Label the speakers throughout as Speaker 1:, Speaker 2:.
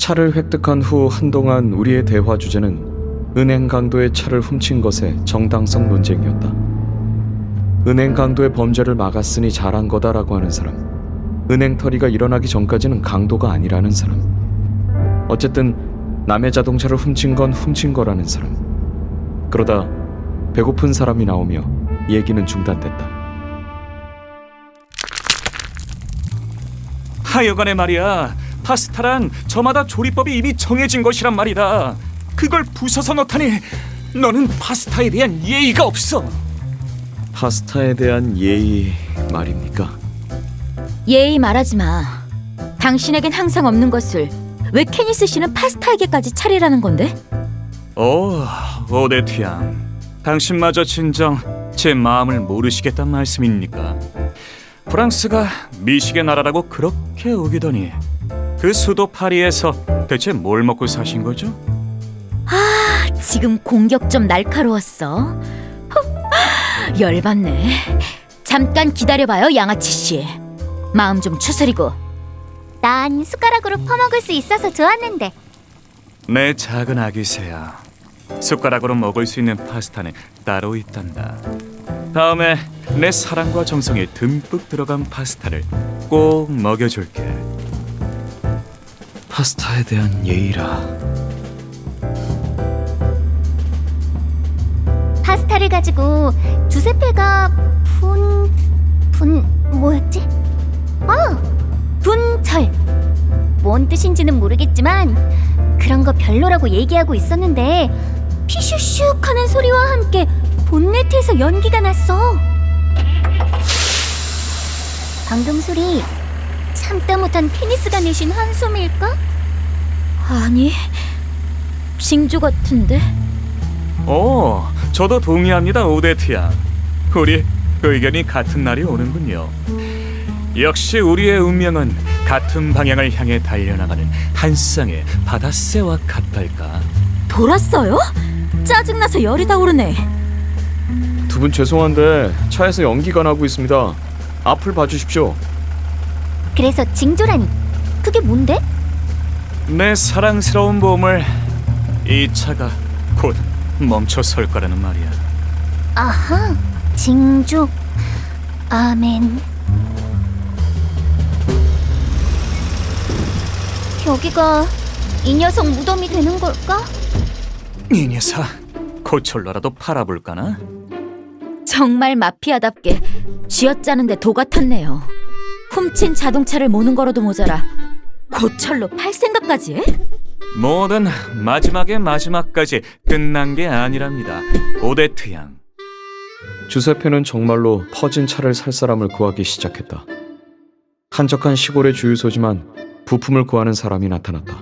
Speaker 1: 차를 획득한 후 한동안 우리의 대화 주제는 은행 강도의 차를 훔친 것의 정당성 논쟁이었다. 은행 강도의 범죄를 막았으니 잘한 거다라고 하는 사람, 은행 털이가 일어나기 전까지는 강도가 아니라는 사람, 어쨌든 남의 자동차를 훔친 건 훔친 거라는 사람. 그러다 배고픈 사람이 나오며 얘기는 중단됐다.
Speaker 2: 하여간에 말이야, 파스타란 저마다 조리법이 이미 정해진 것이란 말이다. 그걸 부숴서 넣다니, 너는 파스타에 대한 예의가 없어.
Speaker 1: 파스타에 대한 예의 말입니까?
Speaker 3: 예의 말하지 마. 당신에겐 항상 없는 것을 왜 케니스 씨는 파스타에게까지 차리라는 건데?
Speaker 2: 오, 오데트 양, 당신마저 진정 제 마음을 모르시겠단 말씀입니까? 프랑스가 미식의 나라라고 그렇게 우기더니 그 수도 파리에서 대체 뭘 먹고 사신 거죠?
Speaker 3: 지금 공격 좀 날카로웠어. 열받네. 잠깐 기다려봐요, 양아치 씨. 마음 좀 추스리고.
Speaker 4: 난 숟가락으로 퍼먹을 수 있어서 좋았는데.
Speaker 2: 내 작은 아기새야, 숟가락으로 먹을 수 있는 파스타는 따로 있단다. 다음에 내 사랑과 정성이 듬뿍 들어간 파스타를 꼭 먹여줄게.
Speaker 1: 파스타에 대한 예의라.
Speaker 4: 파스타를 가지고 주세페가 뭐였지? 분철. 뭔 뜻인지는 모르겠지만 그런 거 별로라고 얘기하고 있었는데 피슈슉 하는 소리와 함께 본네트에서 연기가 났어. 방금 소리 참다 못한 케니스가 내신 한숨일까?
Speaker 3: 아니, 징조 같은데?
Speaker 2: 오, 저도 동의합니다, 오데트 양. 우리 의견이 같은 날이 오는군요. 역시 우리의 운명은 같은 방향을 향해 달려나가는 한 쌍의 바다새와 같달까.
Speaker 3: 돌았어요? 짜증나서 열이 다 오르네.
Speaker 1: 두 분 죄송한데 차에서 연기가 나고 있습니다. 앞을 봐주십시오.
Speaker 4: 그래서 징조라니 그게 뭔데?
Speaker 2: 내 사랑스러운 봄을 이 차가 곧 멈춰설 거라는 말이야.
Speaker 4: 아하, 징조. 아멘. 여기가 이 녀석 무덤이 되는 걸까?
Speaker 2: 이 녀석 고철로라도 팔아볼까나?
Speaker 3: 정말 마피아답게 쥐어짜는데 도 같았네요. 훔친 자동차를 모는 거로도 모자라 고철로 팔 생각까지 해?
Speaker 2: 뭐든 마지막의 마지막까지 끝난 게 아니랍니다, 오데트 양.
Speaker 1: 주세페는 정말로 퍼진 차를 살 사람을 구하기 시작했다. 한적한 시골의 주유소지만 부품을 구하는 사람이 나타났다.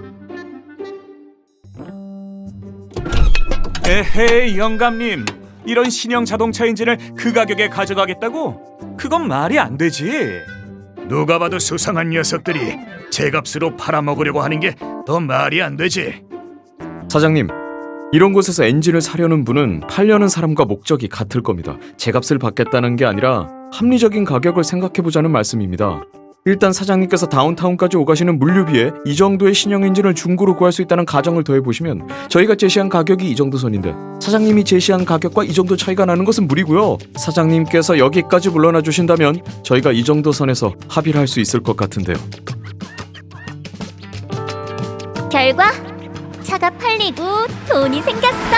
Speaker 2: 에헤이 영감님, 이런 신형 자동차 엔진을 그 가격에 가져가겠다고? 그건 말이 안 되지.
Speaker 5: 누가 봐도 수상한 녀석들이 제값으로 팔아먹으려고 하는 게 더 말이 안 되지.
Speaker 1: 사장님, 이런 곳에서 엔진을 사려는 분은 팔려는 사람과 목적이 같을 겁니다. 제값을 받겠다는 게 아니라 합리적인 가격을 생각해보자는 말씀입니다. 일단 사장님께서 다운타운까지 오가시는 물류비에 이 정도의 신형 엔진을 중고로 구할 수 있다는 가정을 더해보시면 저희가 제시한 가격이 이 정도 선인데 사장님이 제시한 가격과 이 정도 차이가 나는 것은 무리고요. 사장님께서 여기까지 물러나 주신다면 저희가 이 정도 선에서 합의를 할 수 있을 것 같은데요.
Speaker 4: 결과 차가 팔리고 돈이 생겼어.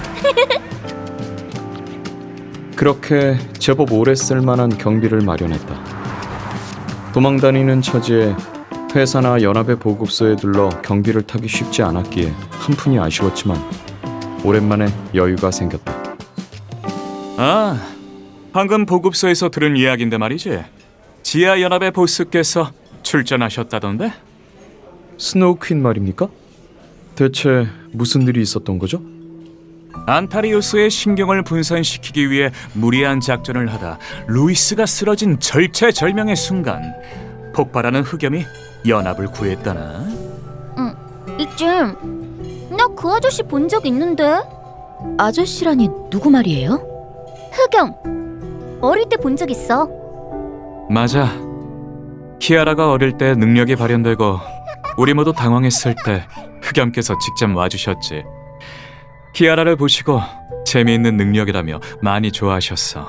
Speaker 1: 그렇게 제법 오래 쓸만한 경비를 마련했다. 도망다니는 처지에 회사나 연합의 보급소에 들러 경비를 타기 쉽지 않았기에 한푼이 아쉬웠지만 오랜만에 여유가 생겼다.
Speaker 2: 아, 방금 보급소에서 들은 이야기인데 말이지. 지하연합의 보스께서 출전하셨다던데?
Speaker 1: 스노우 퀸 말입니까? 대체 무슨 일이 있었던 거죠?
Speaker 2: 안타리우스의 신경을 분산시키기 위해 무리한 작전을 하다 루이스가 쓰러진 절체절명의 순간 폭발하는 흑염이 연합을 구했다나?
Speaker 4: 이쯤 나 그 아저씨 본 적 있는데.
Speaker 3: 아저씨라니 누구 말이에요?
Speaker 4: 흑염 어릴 때 본 적 있어.
Speaker 2: 맞아. 키아라가 어릴 때 능력이 발현되고 우리 모두 당황했을 때 흑염께서 직접 와주셨지. 키아라를 보시고 재미있는 능력이라며 많이 좋아하셨어.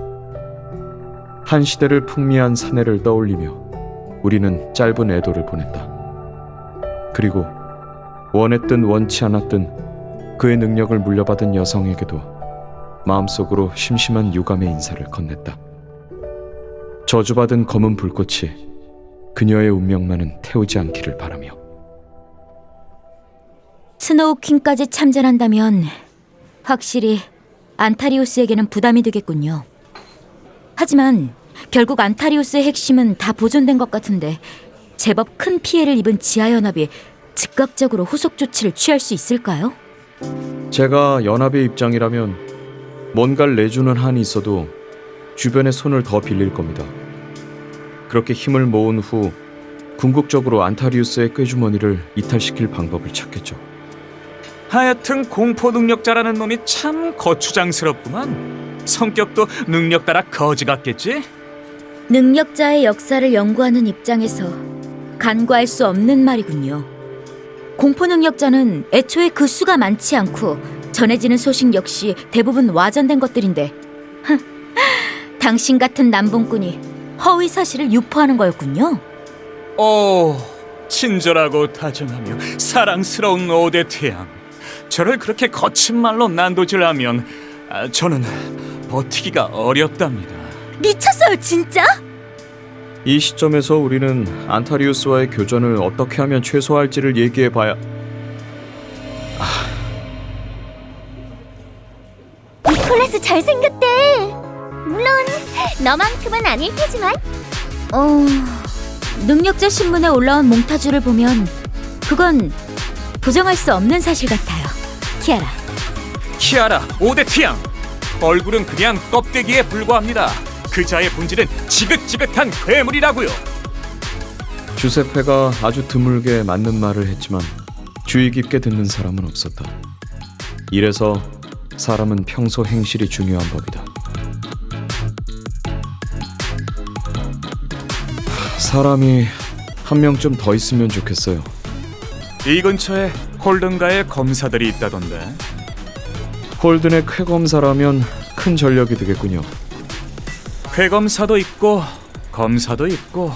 Speaker 1: 한 시대를 풍미한 사내를 떠올리며 우리는 짧은 애도를 보냈다. 그리고 원했든 원치 않았든 그의 능력을 물려받은 여성에게도 마음속으로 심심한 유감의 인사를 건넸다. 저주받은 검은 불꽃이 그녀의 운명만은 태우지 않기를 바라며.
Speaker 3: 스노우 퀸까지 참전한다면 확실히 안타리우스에게는 부담이 되겠군요. 하지만 결국 안타리우스의 핵심은 다 보존된 것 같은데 제법 큰 피해를 입은 지하연합이 즉각적으로 후속 조치를 취할 수 있을까요?
Speaker 1: 제가 연합의 입장이라면 뭔가를 내주는 한이 있어도 주변의 손을 더 빌릴 겁니다. 그렇게 힘을 모은 후 궁극적으로 안타리우스의 꾀주머니를 이탈시킬 방법을 찾겠죠.
Speaker 2: 하여튼 공포 능력자라는 놈이 참 거추장스럽구만. 성격도 능력 따라 거지 같겠지?
Speaker 3: 능력자의 역사를 연구하는 입장에서 간과할 수 없는 말이군요. 공포 능력자는 애초에 그 수가 많지 않고 전해지는 소식 역시 대부분 와전된 것들인데 당신 같은 남봉꾼이 허위 사실을 유포하는 거였군요.
Speaker 2: 오, 친절하고 다정하며 사랑스러운 오데트양. 저를 그렇게 거친 말로 난도질하면 저는 버티기가 어렵답니다.
Speaker 3: 미쳤어요, 진짜?
Speaker 1: 이 시점에서 우리는 안타리우스와의 교전을 어떻게 하면 최소화할지를 얘기해봐야.
Speaker 4: 니콜라스 잘생겼대. 물론 너만큼은 아닐 테지만.
Speaker 3: 능력자 신문에 올라온 몽타주를 보면 그건 부정할 수 없는 사실 같아요. 키아라.
Speaker 2: 키아라, 오데트양. 얼굴은 그냥 껍데기에 불과합니다. 그자의 본질은 지긋지긋한 괴물이라고요.
Speaker 1: 주세페가 아주 드물게 맞는 말을 했지만 주의 깊게 듣는 사람은 없었다. 이래서 사람은 평소 행실이 중요한 법이다. 사람이 한 명쯤 더 있으면 좋겠어요.
Speaker 2: 이 근처에 홀든가의 검사들이 있다던데.
Speaker 1: 홀든의 쾌검사라면 큰 전력이 되겠군요.
Speaker 2: 회검사도 있고 검사도 있고.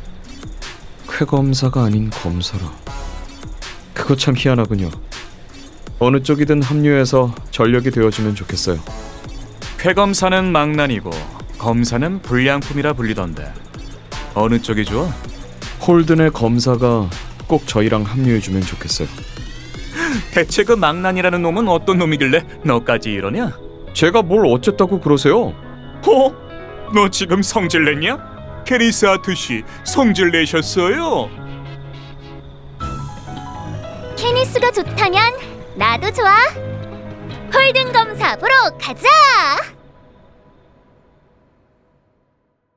Speaker 1: 쾌검사가 아닌 검사라. 그거 참 희한하군요. 어느 쪽이든 합류해서 전력이 되어주면 좋겠어요.
Speaker 2: 회검사는 망난이고 검사는 불량품이라 불리던데. 어느 쪽이 좋아?
Speaker 1: 홀든의 검사가 꼭 저희랑 합류해주면 좋겠어요.
Speaker 2: 대체 그 망난이라는 놈은 어떤 놈이길래 너까지 이러냐?
Speaker 1: 제가 뭘 어쨌다고 그러세요?
Speaker 2: 너 지금 성질 냈냐? 캐리스 아트씨 성질 내셨어요?
Speaker 4: 케니스가 좋다면 나도 좋아. 홀든 검사 보러 가자.